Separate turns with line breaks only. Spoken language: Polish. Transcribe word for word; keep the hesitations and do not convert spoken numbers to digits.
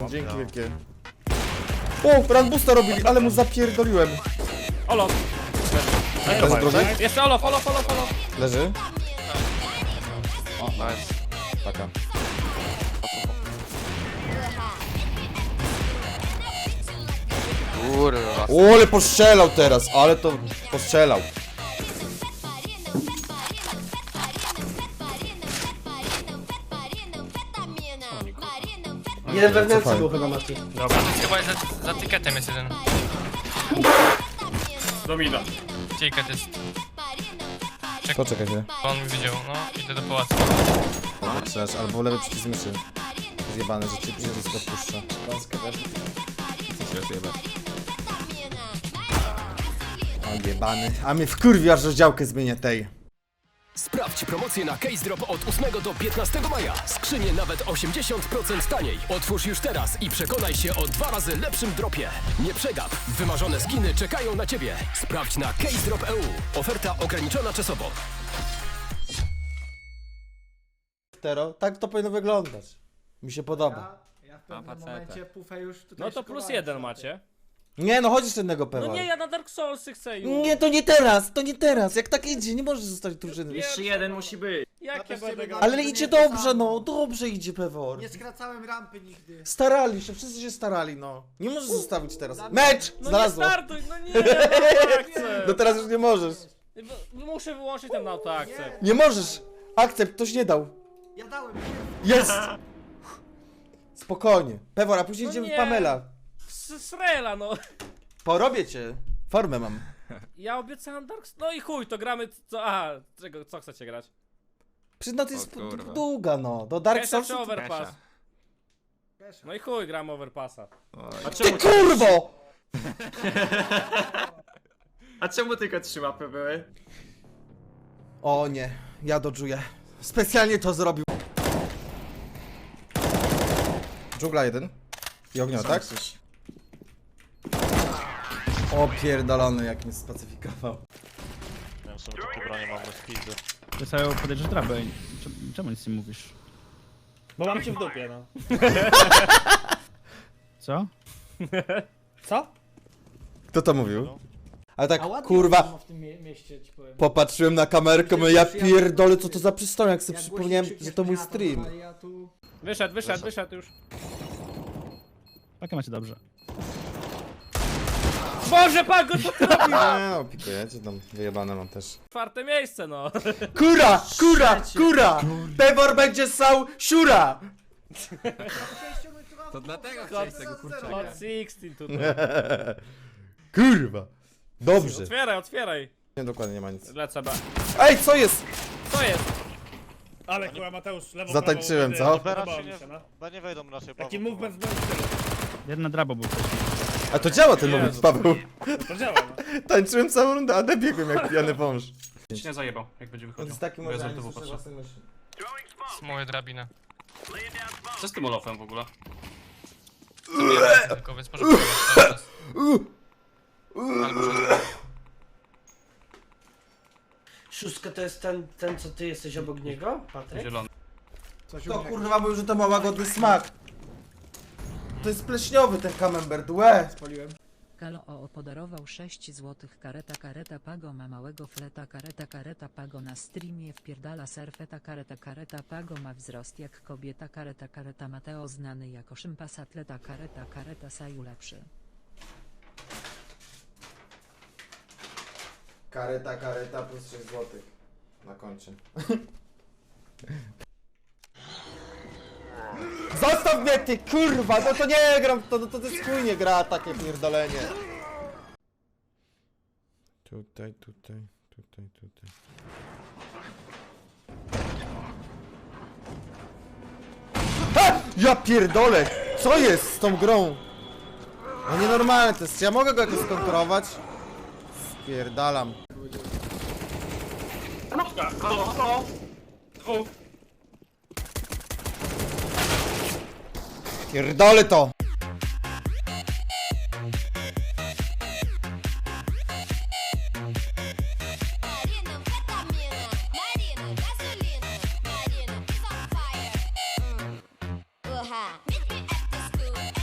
Dzięki wielkie. O, Ranbusta robili, ale mu zapierdoliłem.
Olof.
Leży drugi?
Jeszcze Olof, Olof, Olof, Olof.
Leży.
O, nice.
Paka.
Kurwa.
O, ale postrzelał teraz, ale to postrzelał.
Jeden wewnętrzny był chyba Mati.
Dobra.
Chyba za, za tiketem jest jeden.
Domino.
Ticket jest.
Poczekaj się.
On mi widział, no. Idę do pałacu.
Zaczynasz, albo lewy przycisk myszy. Zjebane, że cię przycisk odpuszcza. O, jebany. A mnie wkurwi, aż rozdziałkę zmienię tej.
Sprawdź promocję na Case Drop od ósmego do piętnastego maja. Skrzynie nawet osiemdziesiąt procent taniej. Otwórz już teraz i przekonaj się o dwa razy lepszym dropie. Nie przegap. Wymarzone skiny czekają na Ciebie. Sprawdź na Case Drop kropka e u. Oferta ograniczona czasowo.
Tero, tak to powinno wyglądać. Mi się podoba.
Ja w pewnym momencie pufę już tutaj
No to plus
szykowałem
jeden
sobie.
macie.
Nie no, chodź jeszcze jednego
No
pewa.
nie, ja na Dark Soulsy chcę już.
Nie, to nie teraz, to nie teraz. Jak tak idzie, nie możesz zostać drużyny.
Jeszcze
jeden musi być.
Jak ja
też
będę
ciebie
grał?
dam.
Ale
to
idzie
nie to
dobrze,
samo.
no, dobrze idzie Pewor.
Nie skracałem rampy nigdy.
Starali się, wszyscy się starali, no. Nie możesz zostawić teraz. Mecz!
No nie
Znalazło.
startuj, no nie, no tak chcę.
No teraz już nie możesz.
Muszę wyłączyć ten autoakcept.
Nie możesz. Akcept, ktoś nie dał.
Ja dałem.
Jest! Spokojnie. Pewor, a później
No
idziemy w
nie.
Pamela.
S- Srela, no.
Porobię cię. Formę mam.
Ja obiecałem Dark Souls. No i chuj, to gramy co. Aha, czego, co chcecie grać?
Przyzna to jest
O kurwa.
długa, no. Do Dark
Kesha
Souls.
czy Overpass?
Kesha.
No i chuj, gram Overpassa.
A
Ty
czemu,
kurwo!
a czemu tylko trzy łapy były?
O nie, ja dodżuję. Specjalnie to zrobił. Dżungla jeden. I ognio, tak? O pierdolony, jak mnie spacyfikował.
Ja w sumie takie bronie mam bez pizdy.
Ty sobie podejrzysz drabę. Czemu, czemu nic nie mówisz?
Bo mam cię w dupie, no.
Co?
Co?
Kto to mówił? Ale tak,
A ładnie
kurwa,
w tym mie mieście ci powiem.
popatrzyłem na kamerkę, mówię, ja pierdolę, co to za przystojak, jak sobie
Jak
przypomniałem,
głośniej
że to mój
krzykniesz,
stream.
ale ja tu...
Wyszedł, wyszedł, wyszedł już.
Takie macie dobrze.
Boże, Pago, co ty robisz?
Nie no, pikujecie tam, wyjebane mam też.
Czwarte miejsce, no.
Kura, kura, kura! Pewor będzie ssał siura!
To dlatego chciałeś tego kurczaka.
Hot szesnaście tutaj.
Kurwa. Dobrze.
Otwieraj, otwieraj.
Nie, dokładnie nie ma nic.
Lecę B.
Ej, co jest?
Co jest?
Ale kurwa Mateusz, lewo
Zatańczyłem,
prawo,
co?
B
podobało
raczej
mi
nie,
się, no.
B nie wejdą raczej.
Taki
Paweł,
movement z moim stylem.
Jeden drabo był wcześniej.
A to działa ten moment, Paweł.
To działa, no.
Tańczyłem całą rundę, a biegłem jak pijany wąż.
Ci nie zajebał, jak będzie
On
wychodził.
jest taki
Bo ja
może,
z
nie
tyłu
słyszę
patrzę.
własnej myśli.
Z mojej drabiny.
Co z tym Olofem w ogóle?
Zabieram tylko, więc może powiedzieć cały czas. Albo szóstka.
Szóstka to jest ten, ten co ty jesteś obok niego, Patryk?
Zielony.
Coś
To kurwa mówił, że to ma łagodny smak. To jest pleśniowy ten camembert, łe.
Spaliłem.
Kalo O podarował sześć złotych kareta kareta Pago ma małego fleta kareta kareta Pago na streamie wpierdala serfeta kareta kareta Pago ma wzrost jak kobieta kareta kareta Mateo znany jako szympas atleta kareta kareta Saju lepszy.
Kareta, kareta plus sześć złotych. Na koncie. Zostaw mnie ty kurwa, no to nie gram, to, to, to jest chuj nie gra takie pierdolenie. Tutaj, tutaj, tutaj, tutaj. Ha! Ja pierdolę! Co jest z tą grą? No nienormalne to jest, ja mogę go jakoś skontrolować? Spierdalam.
Kropka, halo, halo. Dwóch.
Pierdolę to!